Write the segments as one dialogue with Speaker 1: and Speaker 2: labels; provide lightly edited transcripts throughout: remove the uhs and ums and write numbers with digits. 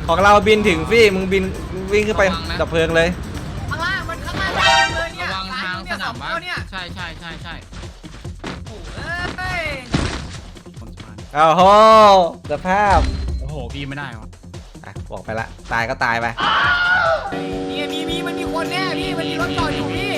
Speaker 1: ของเราบินถึงฟี่มึงบินวิ่งขึ้นไปดับเพลิงเลย
Speaker 2: ข้างล่างมันข้างล่างเลยเนี่ย
Speaker 3: ระวังทางสนามบ้าน
Speaker 2: เนี่ย
Speaker 3: ใช่
Speaker 2: โอ้ย
Speaker 1: อ้าวโหสภาพ
Speaker 3: โอ้โหพี่ไม่ได้วะ
Speaker 1: อ่ะบอกไปละตายก็ตายไป
Speaker 2: นี่มีมันมีคนแน่พี่มันมีรถจอดอยู่พี่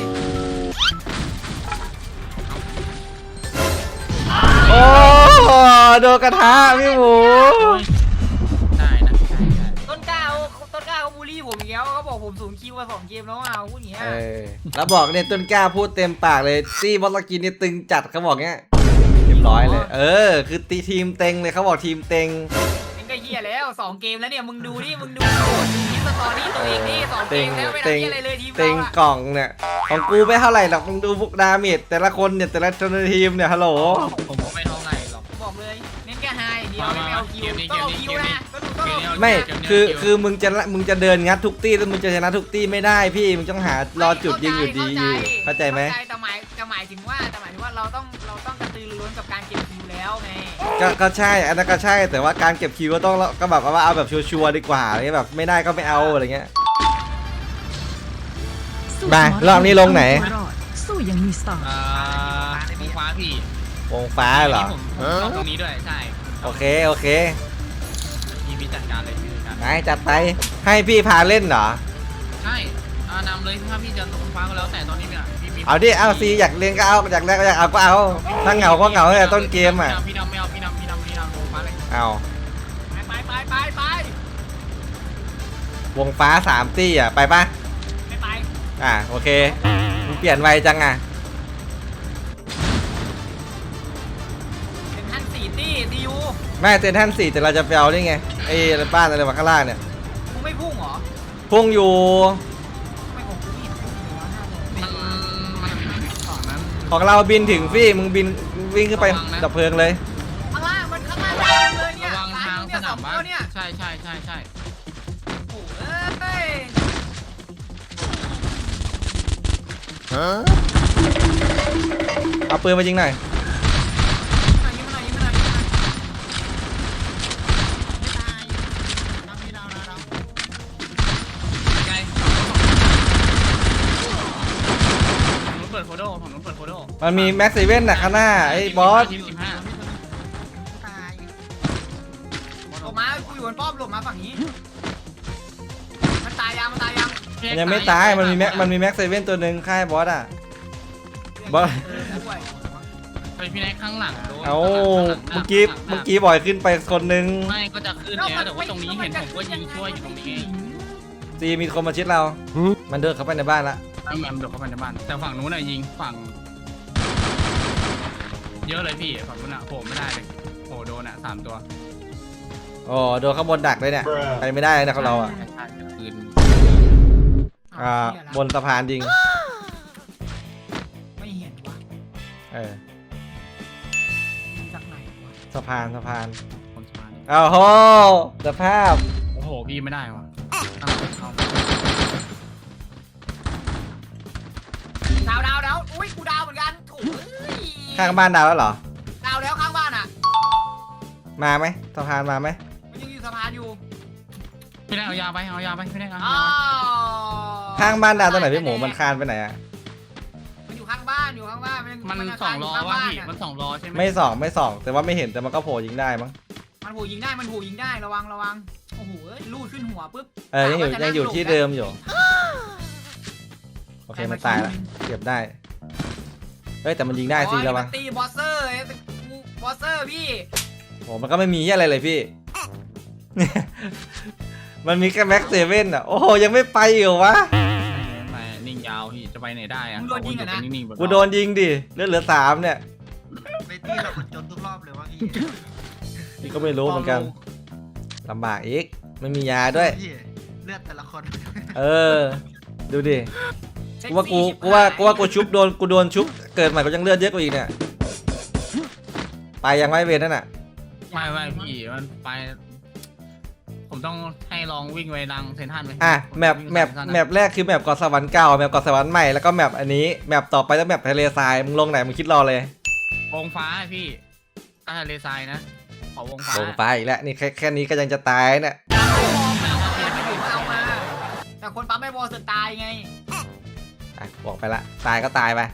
Speaker 1: โอ้โดนกระทะพี่หมู
Speaker 3: ได้นะใช่
Speaker 2: ต้นกล้าเขาบูลลี่ผมอีกแล้วเขาบอกผมสูงคิวมา2 เกมแล้วเอาพูดอย่างเงี้ย
Speaker 1: แล้วบอกเนี่ยต้นกล้าพูดเต็มปากเลยซี่บอสกินนี่ตึงจัดเขาบอกเงี้ยเรียบร้อยเลยคือตีทีมเต็งเลยเขาบอกทีมเต็ง
Speaker 2: มันก็เฮียแล้ว2 เกมแล้วเนี่ยมึงดูนี่มึงดูทีมสตอรี่ตัวเองนี่2 เกมแล้วไม่ได้เฮียอะไรเลยทีม
Speaker 1: เต็
Speaker 2: เรา
Speaker 1: ง
Speaker 2: อะ
Speaker 1: กล่องเนี่ยของกูไม่เท่าไหร่หรอกมึงดูพวกดาเมจแต่ละคนเนี่ยแต่ละทีมเนี่ยฮัลโหล
Speaker 3: ผมก็ไม่เท่าไหร่หรอก
Speaker 2: บอกเลยเน้นแค่ไฮเดียวไม่เอาคิวต้องเอาคิวนะก็ดูต้องเอา
Speaker 1: ไม่คือมึงจะเดินงัดทุกตี้แล้วมึงจะชนะทุกตี้ไม่ได้พี่มึงต้องหารอจุดยิงอยู่ดีอยู่เข้าใจไหม
Speaker 2: แต่หมายถึงว่าเราต้องกระตือรือร้นกับการเก็บคิวแล้วไง
Speaker 1: ก็ใช่อันนั้นก็ใช่แต่ว่าการเก็บคิวก็ต้องก็แบบว่าเอาแบบชัวร์ๆดีกว่าอะไรแบบไม่ได้ก็ไม่เอาอะไรเงี้ยมารอบนี้ลงไหน
Speaker 4: สู้ยังมีสไตล์
Speaker 3: วงฟ้าพี่
Speaker 1: วงฟ้าเหรอ
Speaker 3: ผมชอบตรงนี้ด้วยใช่
Speaker 1: โอเค
Speaker 3: พี่จัดการเลยพี่จัดการ
Speaker 1: ไหนจัดไปให้พี่พาเล่นเหรอ
Speaker 3: ใช่นำเลยถ้าพี่จะวงฟ้าก็แล้วแต่ตอนนี้เนี่ยพี่มี
Speaker 1: เอาดิเอาซีอยากเล่นก็เอาอยากแรกก็อยากเอาก็เอาถ้าเหงาก็เหงาตั้งแต่ต้นเกมอ่ะ
Speaker 3: พี่นำไม่เอาพี่นำวงฟ้าเลย
Speaker 1: เอา
Speaker 2: ไป
Speaker 1: วงฟ้า3ตี้อ่ะไปปะ
Speaker 2: ไม่ไป
Speaker 1: โอเคมึงเปลี่ยนไวจังอ่ะ
Speaker 2: เป็นท่าน4 ตี้ซียู
Speaker 1: ไม่เต็นท่าน4แต่เราจะไปเอาได้ไงไอ้บ้านอะไรมาข้างล่างเนี่ย
Speaker 2: มึงไม่พุ่งเหรอ
Speaker 1: พุ่งอยู่
Speaker 2: ไม่ผมไม่เห็นพุ่งเลยวะ
Speaker 3: มันฝั่งนั้น
Speaker 1: ของเราบินถึงฟี่มึงบินวิ่งขึ้นไปดับเพลิงเลย
Speaker 2: ข้างล่างมันข้างล่างเลยเนี่ย
Speaker 3: ระวังทางสนามบ้าน
Speaker 2: เนี่ย
Speaker 3: ใช่
Speaker 2: โอ้ย
Speaker 1: เอาปืนมายิงหน่อย
Speaker 2: ยิงมาหน่อยไม่ตายน้ำพี่ดาว
Speaker 3: ไงฝั่งนู้นเปิดโคโด
Speaker 1: มันมีแม็กซ์เซเว่นน่ะข้างหน้าไอ้บอส
Speaker 3: ทีม15
Speaker 2: ตายหลบมากูอยู่บนป้อมหลบมาฝั่งนี้มันตายยัง
Speaker 1: มันยังไม่ตายมันมีแม็กซ์เซเว่นตัวหนึ่งค่ายบอสอ่ะบอส
Speaker 3: ไปพี่แน็กข้างหลังโดน
Speaker 1: เอาเมื่อกี้บ่อยขึ้นไปคนนึง
Speaker 3: ไม่ก็จะขึ้นแล้วแต่ว่าตรงนี้เห็นผมก็ยิงช่วยอยู่ตรงนี้
Speaker 1: ซีมีคนมาชิดเรา มันเดินเข้าไปในบ้านละ
Speaker 3: ไอ้แมมเดือดเข้าไปในบ้านแต่ฝั่งนู้นน่ะยิงฝั่งเยอะเลยพี่ฝั่งนู้นน่ะโผล่ไม่ได้เลยโผล่โดนอ่ะ3 ตัว
Speaker 1: โอ้โดนข้างบนดักเลยเนี่ยไปไม่ได้เลยนะของเราอ่ะ
Speaker 3: ใช่คืน
Speaker 1: บนสะพานยิง
Speaker 2: ไม่เห็นวะ จากไหนวะ
Speaker 1: สะพาน
Speaker 3: คนสมาร์ท
Speaker 1: อ้าวโหสภาพ
Speaker 3: โอ้โหพี่ไม่ได้ว่ะตั้งแต่เข้า
Speaker 2: ดาวอุ้ยกูดาวเหมือนกันโถ่
Speaker 1: ข้างบ้านดาวแล้วเหรอ
Speaker 2: ดาวแล้วข้างบ้านอ่ะ
Speaker 1: มาไหมสะพานมาไหม
Speaker 2: มันยังอยู่สะพานอยู่
Speaker 3: พี่แน็กเอายาไปพี่แน็กเอา
Speaker 2: อ๋อ
Speaker 1: ข้างบ้านดาวตรงไหนพี่หมูมันคานไปไหนอ่ะ
Speaker 2: มันอยู่ข้างบ้าน
Speaker 3: มัน2 ล้อวะพี่มัน2 ล้อใช่ไหม
Speaker 1: ไม่ส่องแต่ว่าไม่เห็นแต่มันก็โผล่ยิงได้มั้ง
Speaker 2: มันหูยิงได้ระวังโอ้โหลูดขึ้นหัวปุ๊บ
Speaker 1: ยังอยู่ที่เดิมอยู่โอเคมันตายแล้วเก็บได้เฮ้ยแต่มันยิงได้สิระวัง
Speaker 2: ตีบอสเซอร์พี่
Speaker 1: โหมันก็ไม่มีอะไรเลยพี่ มันมีแค่แม็กเซเว่นอ่ะโอ้โหยังไม่ไปอยู่วะ
Speaker 3: ไปนิ่งยาวพี่จะไปไหนได้อะนิ่งๆแบบ
Speaker 1: กูโดนยิงดิเหลือ3เนี่ย
Speaker 5: ไปที่เราคนจนทุกรอบเลยว่าพี่
Speaker 1: นี่ก็ไม่รู้เหมือนกันลำบากอีกไม่มียาด้วย
Speaker 5: พี่เลือดแต่ละคน
Speaker 1: ดูดิกูว่ากูชุบโดนชุบเกิดใหม่ก็ยังเลือดเยอะกว่าอีกเนี่ยไปยังไม่เวรนั่นน่ะ
Speaker 3: ไม่พี่มันไปผมต้องให้ลองวิ่งไปดังเซนทันไหม
Speaker 1: แมปแรกคือแมปเกาะสวรรค์เก่าแมปเกาะสวรรค์ใหม่แล้วก็แมปอันนี้แมปต่อไปแล้วแมปทะเลทรายมึงลงไหนมึงคิดรอเลยว
Speaker 3: งฟ้าพี่ทะเลทรายนะขอวงฟ้าว
Speaker 1: งฟ้าอีกแล้วนี่แค่นี้ก็ยังจะตายเนี่ย
Speaker 2: ไม่มองเอามาแต่คนปั๊มไม่พอสุดตายไง
Speaker 1: อ่ะบอกไปละตายก็ตายไป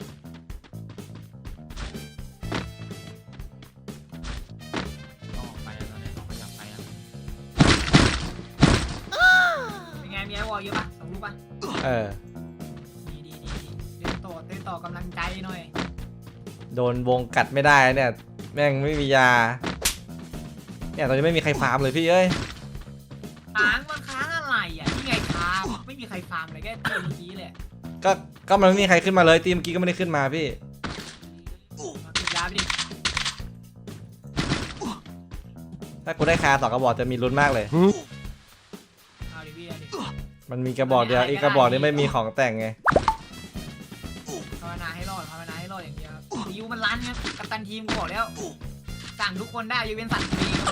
Speaker 3: ต้องออกไปแล้วเนี่ยต้องขยับไปแล้ว
Speaker 2: เป็นไงมีไอ้วอลเยอะปะสองลูกปะ
Speaker 1: เออ
Speaker 2: ดีเดินต่อกำลังใจหน่อย
Speaker 1: โดนวงกัดไม่ได้เนี่ยแม่งไม่มียาเนี่ยตอนนี้ไม่มีใครฟาร์มเลยพี่เอ้ย
Speaker 2: ค้างมันค้างอะไรอ่ะนี่ไงค้างไม่มีใครฟาร์มเลยแค่ตีเมื่อกี้เลย
Speaker 1: ก็มันไม่มีใครขึ้นมาเลยทีมเมื่อกี้ก็ไม่ได้ขึ้นมาพี่
Speaker 2: มาปิดยาไปดิ
Speaker 1: ถ้ากูได้คา2 กระบอกจะมีลุ้นมากเลย
Speaker 2: เอาดิพี่เอาดิ
Speaker 1: มันมีกระบอกเดียวอีกกระบอกนี้ไม่มีของแต่งไง
Speaker 2: ภาวนาให้รอดอย่างเดียวครับยูมันรันครับกัปตันทีมกูบอกแล้วสั่งทุกคนได้ยกเว้นสั่งตัวเองครับ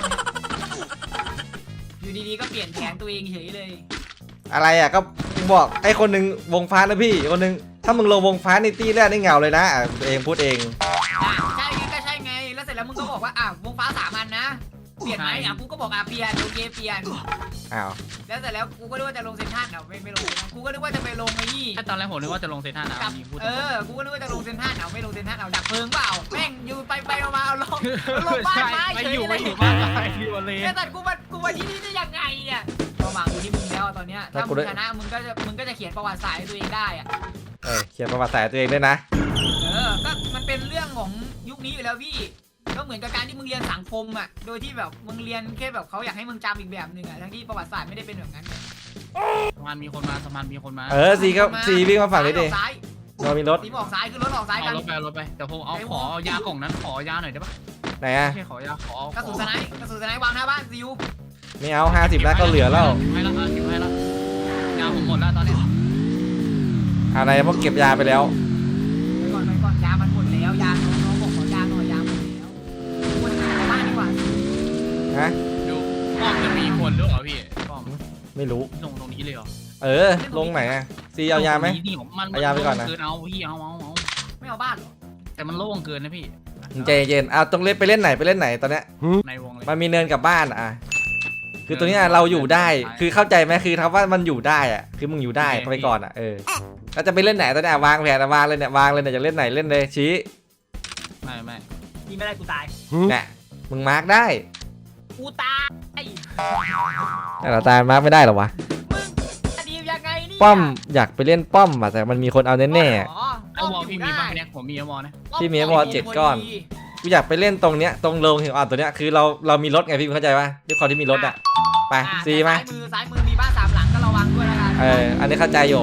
Speaker 2: อยู่ดีๆก็เปลี่ยนแผนตัวเองเฉยเลย
Speaker 1: อะไรอ่ะก็บอกไอ้คนหนึ่งวงฟ้านะพี่คนหนึ่งถ้ามึงลงวงฟ้าในตีแรกนี่เหงาเลยนะอ่ะตัวเองพูดเอง
Speaker 2: ใช่ไงก็ใช่ไงแล้วเสร็จแล้วมึงก็บอกว่าอ่ะวงฟ้า3 อันนะเปลี่ยนไหมอ่ะกูก็บอกอ่ะเปลี่ยนโอเคเปลี่ยน
Speaker 1: อ้าว
Speaker 2: แล้วเสร็จแล้วกูก็นึกว่าจะลงเซนทรัลไม่ลงกูก็นึกว่าจะไปลงไอ้นี่
Speaker 3: ถ้าตอนแรกผมนึกว่าจะลงเซนทรัลนะ
Speaker 2: กับ
Speaker 3: มีพูด
Speaker 2: กูก็นึกว่าจะลงเซนทรัลไม่ลงเซนทรัลดับเพลิงเปล่าแม่งอยู่ไปมาเอาลงบ้านไม้
Speaker 3: ไม่
Speaker 2: เฉย
Speaker 3: อยู่
Speaker 2: เล
Speaker 3: ไม่
Speaker 2: ย
Speaker 3: อยู่บ้านไปอยู่เลย
Speaker 2: ไอ้สัตว์กูมาที่นี่ได้ยังไงเนี่ยความหวังอยู่ที่มึงแล้วตอนเนี้ยถ้ามึงชนะมึงก็จะเขียนประวัติศาสตร์ให้ตัวเองได้อะ
Speaker 1: เขียนประวัติศาสตร์ตัวเองด้วยนะ
Speaker 2: ก็มันเป็นเรื่องของยุคนี้อยู่แล้วพี่ก็เหมือนกับการที่มึงเรียนสังคมอ่ะโดยที่แบบมึงเรียนแค่แบบเขาอยากให้มึงจำอีกแบบหนึ่งอ่ะทั้งที่ประวัติศาสตร์ไม่ได้เป็นแบบนั้น
Speaker 3: สะพานมีคนมาสะพานมีคนมา
Speaker 1: ซีวิ่งมาฝั่งนี้ดิ
Speaker 2: ซ้าย
Speaker 1: เรามีรถ
Speaker 2: สีออกซ้ายคือรถออกซ้าย
Speaker 3: เอา
Speaker 2: กัน
Speaker 3: รถไปแต่ผมเอาขอยากล่องนั้นขอยาหน่อยได้ปะ
Speaker 1: ไหนอ่ะ
Speaker 3: ไม่ใช่ขอยาขอก
Speaker 2: ระสุนสไนป์วางหน้าบ้านซิว
Speaker 1: ไม่เอา50แล้วก็เหลือแล้ว
Speaker 3: ให้แล้วให้แล้วยาผมหมดแล้วตอนนี้
Speaker 1: อะไรพวกเก็บยาไปแล้ว
Speaker 2: ไปก่อนยามันหมดแล้วยาน้องบอกขอยาหน่อยยาหมดแล้วคนหาในบ้านดีกว่า
Speaker 1: ฮะ
Speaker 3: ดูป้อมจะมีคนหรือเปล่าพี่ป้อม
Speaker 1: ไม่รู้
Speaker 3: ลงตรงนี้เลยเหรอ
Speaker 1: ลงไหนอ่ะซีเอายาไหม
Speaker 3: นี่มัน
Speaker 1: เอายาไปก่อนนะ
Speaker 3: เกินเอาพี่เอา
Speaker 2: ไม่เอาบ้านหรอ
Speaker 3: แต่มันโล่งเกินนะพี่
Speaker 1: ใจเย็นเอาต้องเล่นไปเล่นไหนตอนเนี้ย
Speaker 3: ในวงเลย
Speaker 1: มันมีเนินกับบ้านอ่ะคือตัวเนี้ยเราอยู่ได้คือเข้าใจไหมคือคำว่ามันอยู่ได้อ่ะคือมึงอยู่ได้ไปก่อนอ่ะเราจะไปเล่นไหนตอนเนี้ยวางแผนวางเลยเนี่ยวางเลยเนี่ยจะเล่นไหนเล่นเลยชี้
Speaker 3: ไม่
Speaker 2: ยิงไม่ได้กูตาย
Speaker 1: เนี่ยมึงมาร์กได้
Speaker 2: กูตาย
Speaker 1: แต่เราตายมาร์กไม่ได้หรอวะ
Speaker 2: มึงอดียังไงนี่
Speaker 1: ป้อมอยากไปเล่นป้อมอ่ะแต่มันมีคนเอาแน่
Speaker 3: ไอ้วอลพี่มีบ้างเนี่ยผมมีไอ้วอลนะ
Speaker 1: พี่มีไอ้วอล7 ก้อน ๆกูอยากไปเล่นตรงเนี้ยตรงโรงหินอ่อนตัวเนี้ยคือเรามีรถไงพี่เข้าใจป่ะด้วยความที่มีรถอ่ะไปซีมา
Speaker 2: ซ้ายมือมีบ้าน3 หลังก็ระวังด้วยแล้วกัน
Speaker 1: อันนี้เข้าใจอยู่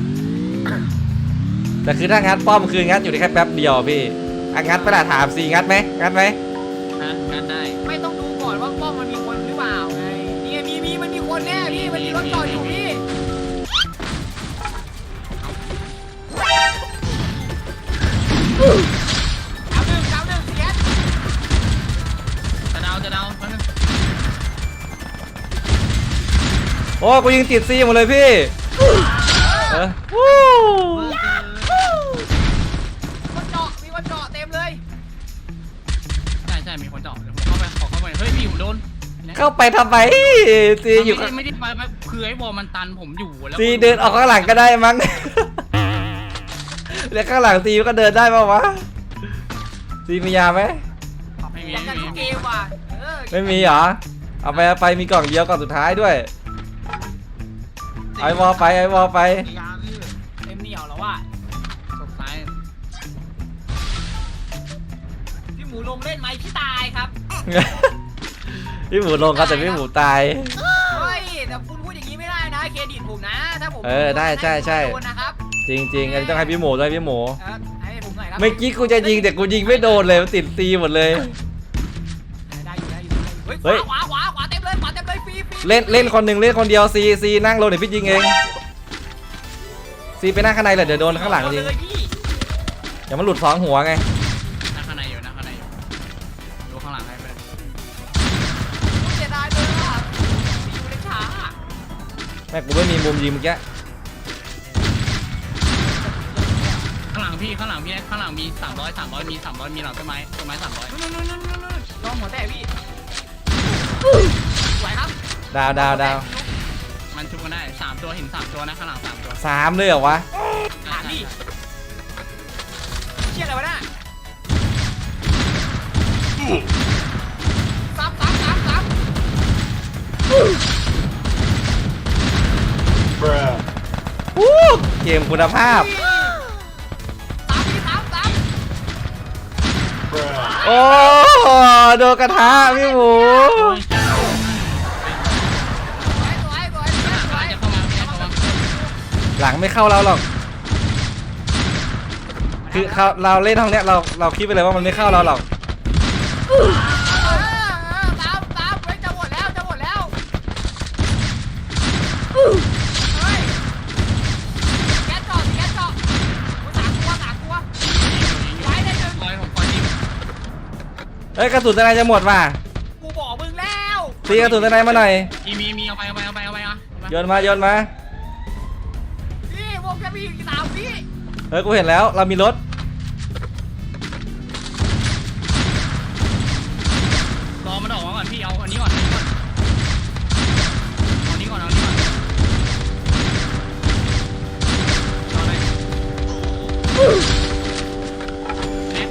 Speaker 1: แต่คือถ้างัดป้อมคืองัดอยู่ได้แค่แป๊บเดียวพี่งัดไปละถามซีงัดไหม
Speaker 3: งั้นได้
Speaker 2: ไม่ต้องดูก่อนว่าป้อมมันมีคนหรือเปล่าไงนี่มีมันมีคนแน่พี่มันมีรถจอดอยู่พี่เอาหนึ่งเสีย
Speaker 3: จะเดา
Speaker 1: โอ้กูยิงติดซีหมดเลยพี่วู้
Speaker 2: คนเจาะมีคนเจาะเต็มเลย
Speaker 3: ใช่มีคนเจาะผมเข้าไปเฮ้ยพี่ผมโดน
Speaker 1: เข้าไปทำไมซีอยู่
Speaker 3: ไม่ได้ไปคือไอ้วอลมันตันผมอยู่แล้ว
Speaker 1: ซีเดินออกข้างหลังก็ได้มั้งแล้วข้างหลังซีก็เดินได้ป่าวะซีมียาไหม
Speaker 3: ไม่มี
Speaker 2: อยากกันทุกเกมว่ะ
Speaker 1: ไม่มีเหรอเอาไปมีกล่องเดียวกล่องสุดท้ายด้วยไอวอลไป
Speaker 5: ยาพี่
Speaker 2: เต็มเหนียวแล้วว่ะ
Speaker 3: สุดท้าย
Speaker 2: พี่หมูลงเล่นไหมพี่ตายครับ
Speaker 1: พี่หมูลงครับแต่พี่หมูตาย
Speaker 2: เฮ้ยแต่คุณพูดอย่างนี้ไม่ได้นะเครดิตผมนะถ้าผม
Speaker 1: ได้ใช่
Speaker 2: โดนนะครับ
Speaker 1: จริงๆอันนี้ต้องให้พี่หมูด้วยพี่หมู
Speaker 2: ให้ผมหน่อยครับ
Speaker 1: เมื่อกี้กูจะยิงแต่กูยิงไม่โดนเลยมันติดซีหมดเลย
Speaker 2: ได้อยู่เฮ้ยขวาเต็มเลยฟรี
Speaker 1: เล่นคนหนึ่งเล่นคนเดียวซีนั่งลงเดี๋ยวพี่ยิงเองซีไปนั่งข้างในเลยเดี๋ยวโดนข้างหลังยิงอย่ามันหลุดสองหัวไง
Speaker 3: นั่งข้างในอยู่ดูข้างหลังให้ไป
Speaker 2: เสียดายเลยอ่ะอยู่ในช้า
Speaker 1: แม่กูไม่มีมุมยิงเมื่อกี้
Speaker 3: ข้างหลังมี300มีหลังต้นไม้300
Speaker 2: ลองหัวแตกพี่สวยครับ
Speaker 1: ดาว
Speaker 3: ไม่มันชุบกันได้3ตัวเห็น3ตัวนะข้างหลัง3ตัว
Speaker 1: 3เลยเหรอวะ
Speaker 2: ถามดิเชี่ยอะไรวะน่ะซ้ำ
Speaker 1: อู้เกมคุณภาพ
Speaker 2: ซ้ำ
Speaker 1: โอ้โดนกระทะพี่หมู
Speaker 2: สวย
Speaker 3: จะเข้ามาจะเข้ามา
Speaker 1: หลังไม่เข้าเราหรอกคือเราเล่นห้องเนี้ยเราคิดไปเลยว่ามันไม่เข้าเราหรอก
Speaker 2: ซ้ำเฮ้ยจะหมดแล้วเฮ้ยแก๊สเจาะ3 ตัวไว้ได้หนึ่ง
Speaker 3: คอยผมคอยยิง
Speaker 1: เฮ้ยกระสุนทนายจะหมดว่ะ
Speaker 2: กูบอกมึงแล้ว
Speaker 1: ตีกระสุนทนายมาหน่อย
Speaker 3: มีเอาไปอ่ะ
Speaker 1: โยนมา
Speaker 2: นี่วงจะมีอีก3 วิ
Speaker 1: เฮ้ยกูเห็นแล้วเรามีรถ
Speaker 3: รอมันออกมาก่อนพี่เอาอันนี้ก่อนเอานี้ก่อนรอเลยเนี่ย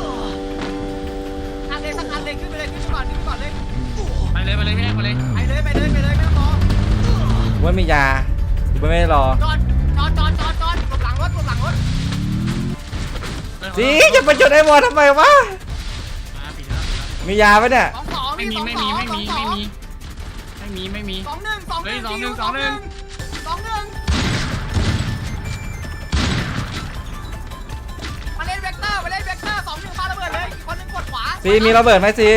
Speaker 2: อันเลยสักอันเลยขึ้นไปก่อนเลย
Speaker 3: ไปเลยพี่แรกไปเลย
Speaker 2: ไปเลยไม่ต้องรอ
Speaker 1: ว่ามียากูไม่ได้รอ
Speaker 2: จอดหลบหลังรถ
Speaker 1: สิจะไปจุดไอ้บอลทำไมวะมียาปะเนี่ย
Speaker 2: 2
Speaker 3: ไม่มี
Speaker 2: 2
Speaker 3: ไม่มี
Speaker 2: 2 1
Speaker 3: เฮ้ย2-1
Speaker 2: มาเล่นเวกเตอร์2 1ปาระเบิดเลยอีกคนนึงกดขวา
Speaker 1: ซีมีระเบิดไหมซี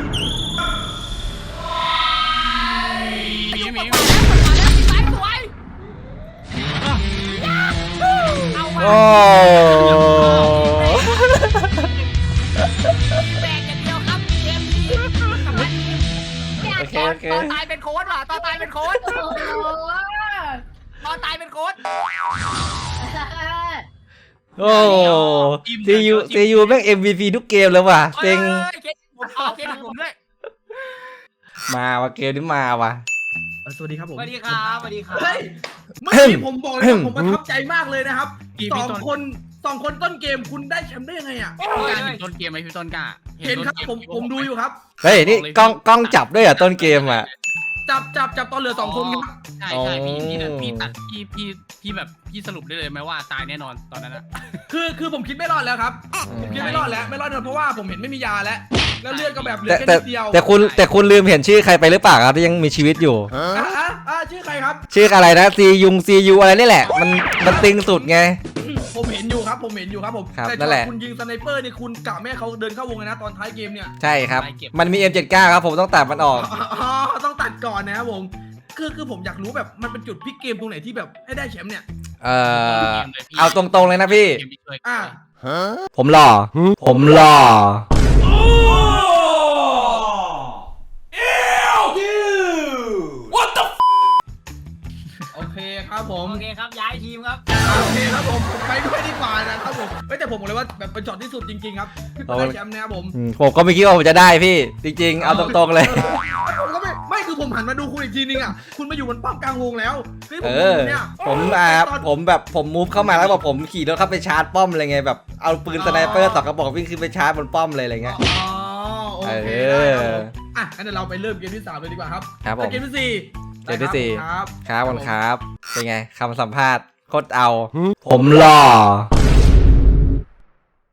Speaker 3: มี
Speaker 2: ซ้ายสวยเอา
Speaker 1: โอ้
Speaker 2: แบกอย่างเดียวครับเกมนี้ตอนตายเป็นโค้ดว่ะตอนตายเป็นโค้ด
Speaker 1: โอ้ซียูแม่ง MVP ทุกเกมเลยว่ะเซ็ง
Speaker 2: เคสผมด้วย
Speaker 1: มาว่ะเกมนี้มาว่ะ
Speaker 6: สวัสดีครับผม
Speaker 2: สวัสดีครับสวัสดีครับ
Speaker 6: เฮ้ยเมื่อกี้ผมบอกเลยว่าผมประทับใจมากเลยนะครับสองคนต้นเกมคุณได้แชมป์ได้ยังไงอ่ะ
Speaker 3: การเห็นต้นเกมไหมพี่ต้นกล้า
Speaker 6: เห็นครับผมดูอยู่ครับ
Speaker 1: เฮ้ยนี่กล้องจับด้วยเหรอต้นเกมอ่ะ
Speaker 6: จับตอนเหลือ2 คนครับ
Speaker 3: ใช่พี่ตัดพี่แบบพี่สรุปได้เลยไหมว่าตายแน่นอนตอนนั้นอะ
Speaker 6: คือผมคิดไม่รอดแล้วครับผมคิดไม่รอดแล้วเพราะว่าผมเห็นไม่มียาแล้วเลือดก็แบบเหลือแค่นิดเดียว
Speaker 1: แต่คุณลืมเห็นชื่อใครไปหรือเปล่าครับที่ยังมีชีวิตอยู่
Speaker 6: ชื่อใครครับ
Speaker 1: ชื่ออะไรนะซียูอะไรนี่แหละมันตึงสุดไง
Speaker 6: ผมเห็นอยู่ครับผม
Speaker 1: ครับ
Speaker 6: แต่
Speaker 1: นั่นแหละ
Speaker 6: คุณยิงสไนเปอร์นี่คุณกะแม่เขาเดินเข้าวงเลยนะตอนท้ายเกมเนี่ย
Speaker 1: ใช่ครับมันมี M79 ครับผมต้องตัดมันออก
Speaker 6: อ๋อต้องตัดก่อนนะครับผมคือผมอยากรู้แบบมันเป็นจุดพลิกเกมตรงไหนที่แบบให้ได้แชมป์เนี่ย
Speaker 1: เอาตรงๆเลยนะพี่
Speaker 6: อ่า
Speaker 1: ผมหล่อ
Speaker 6: โอเคครับผม
Speaker 2: โอเคครับย้ายทีมครับ
Speaker 6: โอเคครับผมไปด้วยดีกว่านะครับผมแต่ผมบอกเลยว่าแบบเป็นช็อตที่สุดจริงๆครับที่ได้แชมป์นะครับผม
Speaker 1: ผมก็ไม่คิดว่าผมจะได้พี่จริงๆเอาตรงๆเลย
Speaker 6: ผมก็ไม่คือผมหันมาดูคุณอีกทีนึงอ่ะคุณมาอยู่บนป้อมกลางวงแล้วคือผม เนี่ย
Speaker 1: ผมมูฟเข้ามาแล้วบอกผมขี่รถเข้าไปชาร์จป้อมอะไรไงแบบเอาปืนสไนเปอร์2 กระบอกวิ่งขึ้นไปชาร์จบนป้อมเลยอะไรเงี้ย
Speaker 6: อ๋อโอเคได้ครับผมอ่ะงั้นเดี๋ยวเราไปเริ่มเกมที่3เลยดีกว่าครับ
Speaker 1: ครับผม
Speaker 6: เกมที่4
Speaker 1: เกมที่สี่
Speaker 6: ครับ
Speaker 1: ครับเป็นไงคำสัมภาษณ์โคตรเอา ผมหล่อ